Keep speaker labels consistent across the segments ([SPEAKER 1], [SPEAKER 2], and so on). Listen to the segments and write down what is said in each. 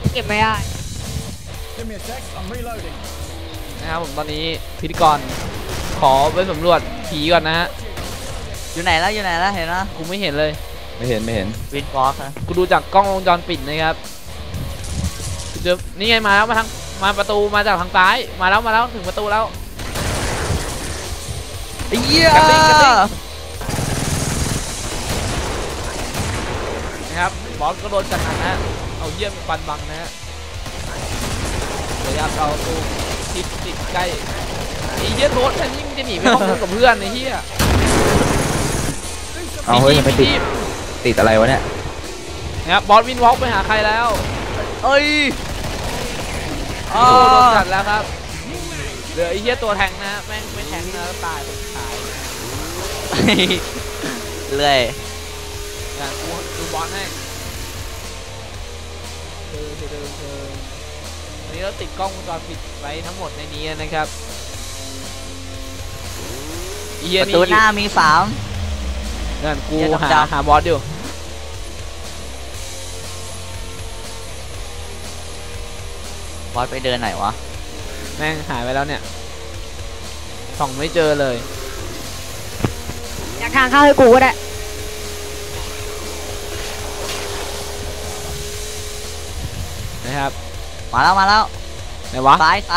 [SPEAKER 1] เก็บไม่ได้
[SPEAKER 2] นะครับผมตอนนี้พิธีกรขอไปสำรวจผีก่อนนะฮะ
[SPEAKER 3] อยู่ไหนแล้วเห็นนะ
[SPEAKER 2] กูไม่เห็นเลย
[SPEAKER 4] ไม่เห็น
[SPEAKER 3] วินบล็อกนะ
[SPEAKER 2] กูดูจากกล้องวงจรปิดนะครับเจอนี่ไงมาแล้วมาประตูมาจากทางซ้ายมาแล้วถึงประตูแล้ว
[SPEAKER 3] ไอ้เหี้ย
[SPEAKER 2] นะครับบอสก็โดนจัดหนักนะเอาเยี่ยมปันบังนะฮะพยายามเอาตู้ติดใกล้ไอ้เหี้ยโทษแทนยิ่งจะหนีไปห้องนึงกับเพื่อนไอ้เหี้ย
[SPEAKER 4] เอาเฮ้ยไปติดอะไรวะเนี่ย
[SPEAKER 2] นะครับบอสวินวอล์กไปหาใครแล้ว
[SPEAKER 3] เอ้ย
[SPEAKER 2] โดนจัดแล้วครับเหลือไอ้เหี้ยตัวแทงนะแม่งไม่แทงนะตายคนตาย
[SPEAKER 3] เลย
[SPEAKER 2] ดูบอสให้วันนี้เราติดกล้องวงจรปิดไว้ทั้งหมดในนี้นะครับ
[SPEAKER 3] ประตูหน้ามี
[SPEAKER 2] 3นั่นกูหาบอสอยู่
[SPEAKER 3] บอสไปเดินไหนวะ
[SPEAKER 2] แม่งหายไปแล้วเนี่ยส่องไม่เจอเลย
[SPEAKER 1] อยากทางเข้าให้กูก็ได้
[SPEAKER 2] นะครับ
[SPEAKER 3] มาแล้ว
[SPEAKER 2] ไหนวะ
[SPEAKER 3] ซ้าย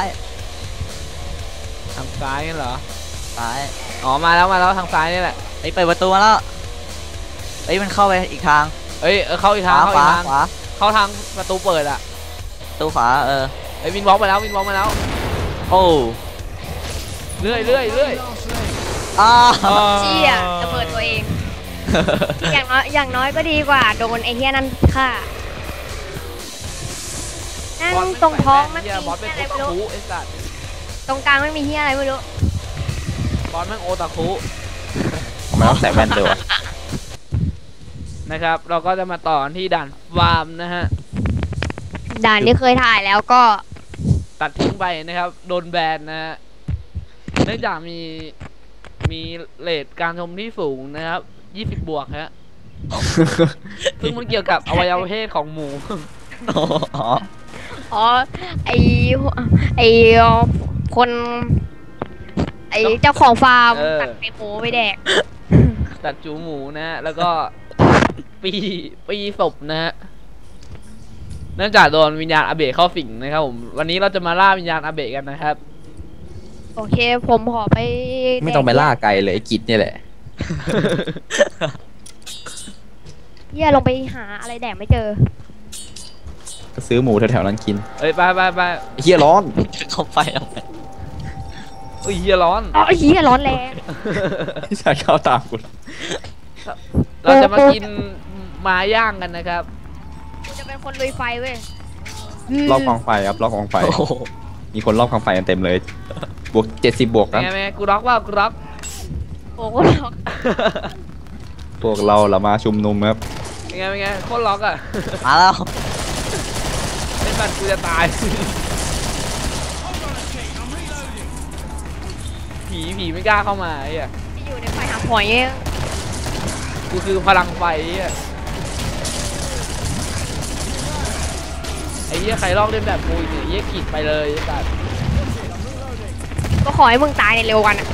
[SPEAKER 2] ทางซ้ายกันเหรอ
[SPEAKER 3] ซ้าย
[SPEAKER 2] อ๋อมาแล้วทางซ้ายนี่แหละ
[SPEAKER 3] ไอ้เปิดประตูมาแล้วไอ้มันเข้าไปอีกทาง
[SPEAKER 2] เข้าอีกทาง
[SPEAKER 3] ขวา
[SPEAKER 2] เข้าทางประตูเปิดอะ
[SPEAKER 3] ประตูขวา
[SPEAKER 2] ไอ้วินบล็อกมาแล้ว
[SPEAKER 3] โอ้
[SPEAKER 2] เรื่อย
[SPEAKER 1] เชี่ยจะเปิดตัวเองอย่างน้อยก็ดีกว่าโดนไอ้เหี้ยนั่นฆ่านั่งตรงท้องมันมีอะไรไม่รู้ตรงกลางไม่มีเหี้ยอะไรไม่รู้
[SPEAKER 2] บอสแม่งโอตาคุ
[SPEAKER 4] ทำไมต้องใส่แว่นด้วย
[SPEAKER 2] นะครับเราก็จะมาต่อที่ด่านฟาร์มนะฮะ
[SPEAKER 1] ด่านที่เคยถ่ายแล้วก็
[SPEAKER 2] ตัดทิ้งไปนะครับโดนแบนนะฮะเนื่องจากมีเรทการชมที่สูงนะครับ20 บวกฮะซึ่งมันเกี่ยวกับอวัยวะเพศของหมู
[SPEAKER 1] ไอคนเจ้าของฟาร์มตัดไอหมูไปแดก
[SPEAKER 2] ตัดจูหมูนะแล้วก็ปีศพนะฮะเนื่องจากโดนวิญญาณอาเบะเข้าสิงนะครับผมวันนี้เราจะมาล่าวิญญาณอาเบะกันนะครับ
[SPEAKER 1] โอเคผมขอไป
[SPEAKER 4] ไม่ต้องไปล่าไกลเลยไอ้กิจเนี่ยแหละ
[SPEAKER 1] เหี้ยลงไปหาอะไรแดกไม่เจอ
[SPEAKER 4] ก็ซื้อหมูแถวๆนั้นกิน
[SPEAKER 2] ไป
[SPEAKER 4] เฮียร้อน
[SPEAKER 3] เข้าไปเอาไป
[SPEAKER 2] เฮียร้อน
[SPEAKER 1] เฮียร้อนแรง
[SPEAKER 4] พี่ชายเข้าตามกู
[SPEAKER 2] เราจะมากินม้าย่างกันนะครับ
[SPEAKER 1] กูจะเป็นคนลุยไฟเว้ย
[SPEAKER 4] รอบกองไฟครับรอบกองไฟมีคนรอบกองไฟกันเต็มเลยบวก70 บวกครับ
[SPEAKER 2] แม่กูร็อกว่ากูร็อก
[SPEAKER 1] โอ้กูร็อก
[SPEAKER 4] พวกเรามาชุมนุมครับ
[SPEAKER 2] เป็นไงโคตรล็อกอ่ะ
[SPEAKER 3] มาแล้ว
[SPEAKER 2] ไม่ปันกูจะตายผีไม่กล้าเข้ามาไอ้เหี้ย
[SPEAKER 1] ที่อยู่ในไฟหาหอย
[SPEAKER 2] กูคือพลังไฟไอ้เหี้ยใครลอกเล่นแบบกูเนี่ยเหี้ยขีดไปเลยไอ้สัส
[SPEAKER 1] ก็ขอให้มึงตายในเร็ววันอ่ะ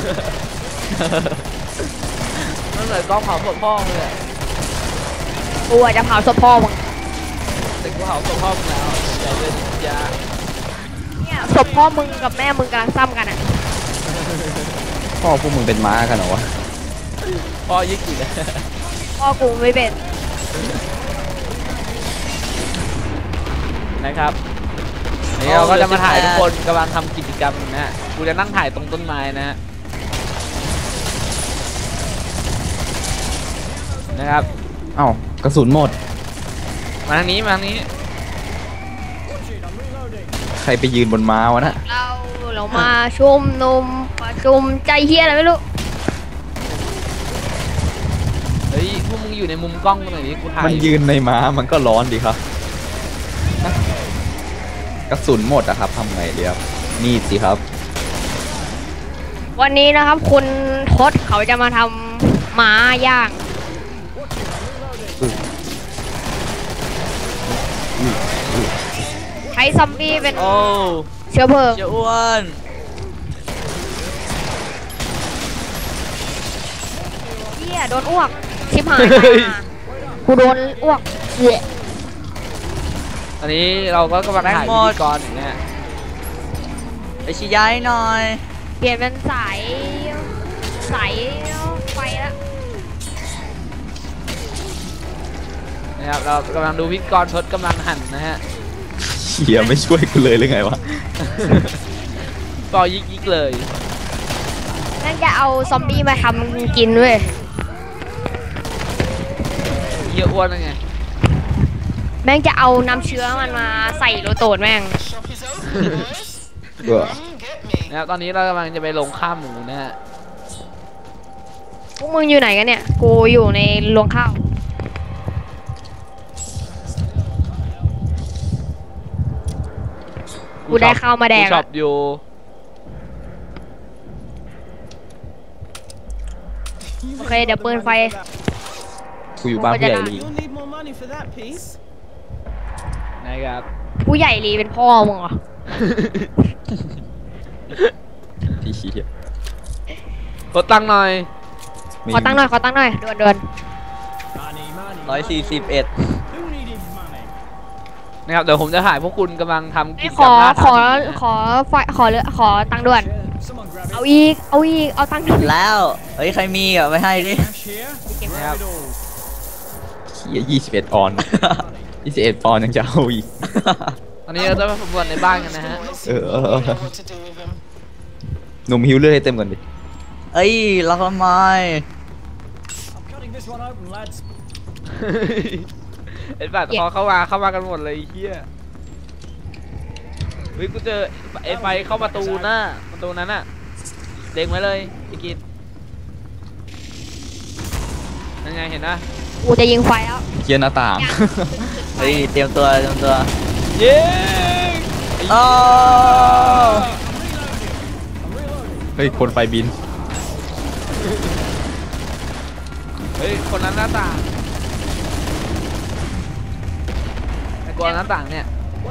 [SPEAKER 2] นั่นเลยกล้องเผาศพพ่อเลย
[SPEAKER 1] กูอาจจะเผาศพพ่อมึง
[SPEAKER 2] แต่กูเผาศพพ่อมึงแล้วอย่าเลยยา
[SPEAKER 1] เนี่ยศพพ่อมึงกับแม่มึงกำลังซ้ำกันอ่ะ
[SPEAKER 4] พ่อพวกมึงเป็นม้ากันเหรอวะ
[SPEAKER 2] พ่อยิ่งกี่เลย
[SPEAKER 1] พ่อกูไม่เป็น
[SPEAKER 2] นะครับนี่เราก็จะมาถ่ายทุกคนกำลังทำกิจกรรมนะฮะกูจะนั่งถ่ายตรงต้นไม้นะฮะนะครับ
[SPEAKER 4] เอ้ากระสุนหมด
[SPEAKER 2] มาทางนี้
[SPEAKER 4] ใครไปยืนบนม้าวะนะ
[SPEAKER 1] เรามาชุมนุมประชุมใจเฮียอะไรไม่รู้
[SPEAKER 2] เฮ้ยพวกมึงอยู่ในมุมกล้องตรงไหนนี่กูถ่าย
[SPEAKER 4] มันยืนในม้ามันก็ร้อนดีครับกระสุนหมดอะครับทำไงดีครับนี่สิครับ
[SPEAKER 1] วันนี้นะครับคุณทศเขาจะมาทำม้าย่างใช้ซอมบี้เป็น
[SPEAKER 3] โอ้
[SPEAKER 1] เชื้อเพลิง
[SPEAKER 3] เจ้าอ้วน
[SPEAKER 1] เหี้ยโดนอ้วกชิบหายกูโดนอ้วกเหี้ย
[SPEAKER 2] อันนี้เราก็กำลังถ่ายพิธีกรอย่างเงี้ย
[SPEAKER 3] ไปชี้ย้ายหน่อย
[SPEAKER 1] เปลี่ยนเป็นสายไฟแล้ว
[SPEAKER 2] นะครับเรากำลังดูพิธีกรทศกำลังหั่นนะฮะ
[SPEAKER 4] เฮียไม่ช่วยกูเลยหรือไงวะ
[SPEAKER 2] ปอยิกเลย
[SPEAKER 1] นั่นจะเอาซอมบี้มาทำกินเว้ย
[SPEAKER 2] เยอะอ้วนยังไง
[SPEAKER 1] แม่งจะเอาน้ำเชื้อมันมาใส่โรโตดแม่ง
[SPEAKER 2] นะครับตอนนี้เรากำลังจะไปลงข้ามหมูนะฮะ
[SPEAKER 1] พวกมึงอยู่ไหนกันเนี่ย กูอยู่ในรวงข้าว กูได้ข้าวมาแดง
[SPEAKER 2] กูช็อปอยู่
[SPEAKER 1] โอเคเดี๋ยวเปิดไฟ
[SPEAKER 4] กูอยู่บ้านพี่ใหญ่ลี
[SPEAKER 5] You'll need more money for that piece.
[SPEAKER 2] นะครับ
[SPEAKER 1] ผู้ใหญ่ลีเป็นพ่อมึงเหรอ
[SPEAKER 4] ที่เฮีย
[SPEAKER 2] กดตังค์หน่อย
[SPEAKER 1] ขอตั้งค์หน่อยด่วน
[SPEAKER 5] Money, money.
[SPEAKER 3] 141
[SPEAKER 5] Who needed money?
[SPEAKER 2] นะครับเดี๋ยวผมจะถ่ายพวกคุณกำลังทำ
[SPEAKER 1] ๆ
[SPEAKER 2] กิ
[SPEAKER 1] ไม่
[SPEAKER 2] จ
[SPEAKER 1] ข
[SPEAKER 2] กรร
[SPEAKER 1] อ
[SPEAKER 2] มหน้า
[SPEAKER 1] ขอ
[SPEAKER 2] ตาดีนะ
[SPEAKER 1] ขอไฟขอตังค์ด่วน
[SPEAKER 5] Someone grab it.
[SPEAKER 1] เอาตังค์ด่วน
[SPEAKER 3] แล้ว เฮ้ย ใครมีอ่ะ ไม่ให้ดิ
[SPEAKER 5] Cash here.
[SPEAKER 2] นะครับ
[SPEAKER 5] Grab it all.
[SPEAKER 4] เฮีย21 ออน 21 ปอนด์ยังจะเอาอีก
[SPEAKER 2] ตอนนี้เราจะไปสำรวจในบ้านกันนะฮะ
[SPEAKER 4] หนุ่มฮิวเลือดให้เต็มก่อนดิ
[SPEAKER 3] เอ้ยล็อกทำไม
[SPEAKER 5] I'm cutting this one open, lads.
[SPEAKER 2] ไอ้บัตรพอเข้ามากันหมดเลยไอ้เฮียเฮ้ยกูเจอไอ้ไฟเข้าประตูนั้นน่ะเล็งไว้เลยไอ้กิจยังไงเห็นนะ
[SPEAKER 1] กูจะยิงไฟแล้ว
[SPEAKER 4] เฮียหน้าต่าง
[SPEAKER 3] เฮ้ย เตรียมตัว
[SPEAKER 2] เย้
[SPEAKER 3] โอ้
[SPEAKER 4] เฮ้ยคนไฟบิน
[SPEAKER 2] เฮ้ยคนนั้นหน้าต่างไอ้กลัวหน้าต่างเนี่ย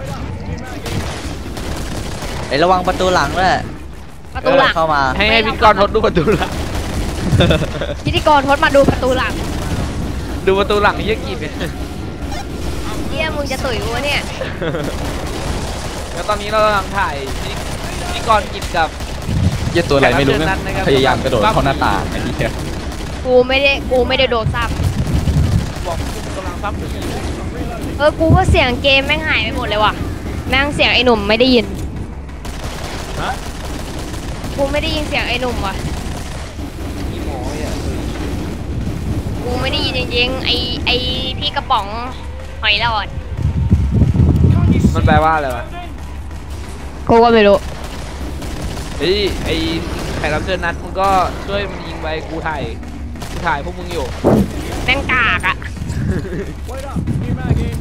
[SPEAKER 3] ไอ้ระวังประตูหลังด้วย
[SPEAKER 1] ประตูหลัง
[SPEAKER 3] เข้ามา
[SPEAKER 2] ให้พิธีกรทดดูประตูหลัง
[SPEAKER 1] พิธีกรทดมาดูประตูหลัง
[SPEAKER 2] ดูประตูหลังไอ้เหี้ยกิจเนี่ย
[SPEAKER 1] เฮียมึงจะตุ๋ยกูวะเนี่ย
[SPEAKER 2] แล้วตอนนี้เรากำลังถ่ายพิธีกรกิจกับ
[SPEAKER 4] เฮียตัวอะไรไม่รู้
[SPEAKER 2] แขกรับ
[SPEAKER 4] นะ
[SPEAKER 2] เชิญนัดนะครับ
[SPEAKER 4] พยายามกระโดดเข้าหน้าต่างไอ้เฮีย
[SPEAKER 1] กูไม่ได้โดดซ้
[SPEAKER 2] บอกกำลังซับอยู่
[SPEAKER 1] ำกูก็เสียงเกมแม่งหายไปหมดเลยว่ะแม่งเสียงไอ้หนุ่มไม่ได้ยิน
[SPEAKER 2] ฮะ
[SPEAKER 1] กูไม่ได้ยินเสียงไอ้หนุ่มว่ะ
[SPEAKER 2] อีหมอเนี่ย
[SPEAKER 1] กูไม่ได้ยินจริงๆไอ้พี่กระป๋องหอยหลอด
[SPEAKER 2] มันแปลว่าอะไรวะ
[SPEAKER 1] กูก็ไม่รู้
[SPEAKER 2] เฮ้ยไอ้แขกรับเชิญนัดมึงก็ช่วยมันยิงไปกูถ่ายพวกมึงอยู่
[SPEAKER 1] แม่งกากอะ
[SPEAKER 5] Wait up. New mag in.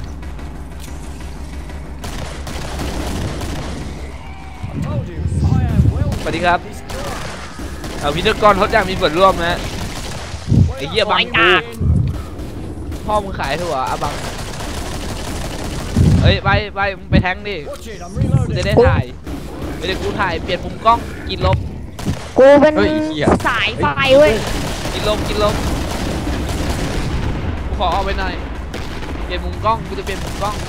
[SPEAKER 5] I told you, I am well.
[SPEAKER 2] สวัสดีครับเอาพิธีกรทดอยากมีส่วนร่วมนะไอ้เหี้ยบังกูพ่อมึงขายถั่วอะบังเฮ้ยไปมึงไปแทงดิ
[SPEAKER 5] Watch it. I'm
[SPEAKER 2] กูจะ
[SPEAKER 5] reloading.
[SPEAKER 2] ได้ถ่ายไม่ได้กูถ่ายเปลี่ยนมุมกล้องกินลบ
[SPEAKER 1] กูเป็น
[SPEAKER 4] เฮ้ยไอ้เฮีย
[SPEAKER 1] สายไฟเว้ย
[SPEAKER 2] กินลบกูขอเอาไปหน่อยเปลี่ยนมุมกล้องกูจะเปลี่ยนมุมกล้อง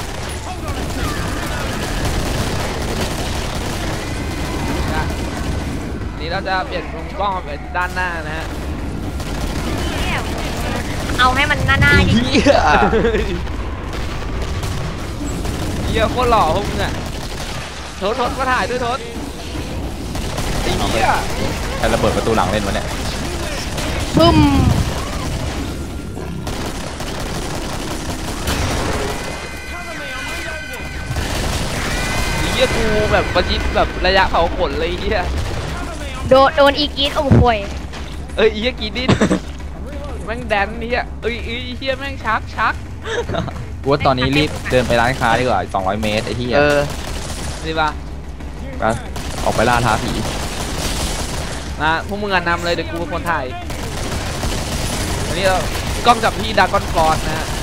[SPEAKER 2] นะนี่เราจะเปลี่ยนมุมกล้องไปด้านหน้านะฮะ
[SPEAKER 1] เอาให้มันหน้าๆดิ
[SPEAKER 4] เฮีย
[SPEAKER 2] เหี้ยโคตรหล่อพวกมึงอะทศมาถ่ายด้วยทศไอ้เหี้ย
[SPEAKER 4] ใครระเบิดประตูหลังเล่นวะเนี่ย
[SPEAKER 1] พึ่ม
[SPEAKER 2] ไอ้เหี้ยกูแบบประชิดแบบระยะเผาขนเลยไอ้เหี้ย
[SPEAKER 1] โดนอีกรีดอมควย
[SPEAKER 2] เอ้ยไอ้เหี้ยกินดินแม่งแดนไอ้เหี้ยไอ้เหี้ยแม่งชัก
[SPEAKER 4] กูว่าตอนนี้รีบเดินไปร้านค้าดีกว่า200 เมตรไอ้เฮีย
[SPEAKER 2] ดีป่ะ
[SPEAKER 4] ไปออกไปล่าท้าผี
[SPEAKER 2] นะพวกมึงนำเลยเดี๋ยวกูเป็นคนถ่ายวันนี้เรากล้องจับพี่ดากอนฟอร์ดนะฮะ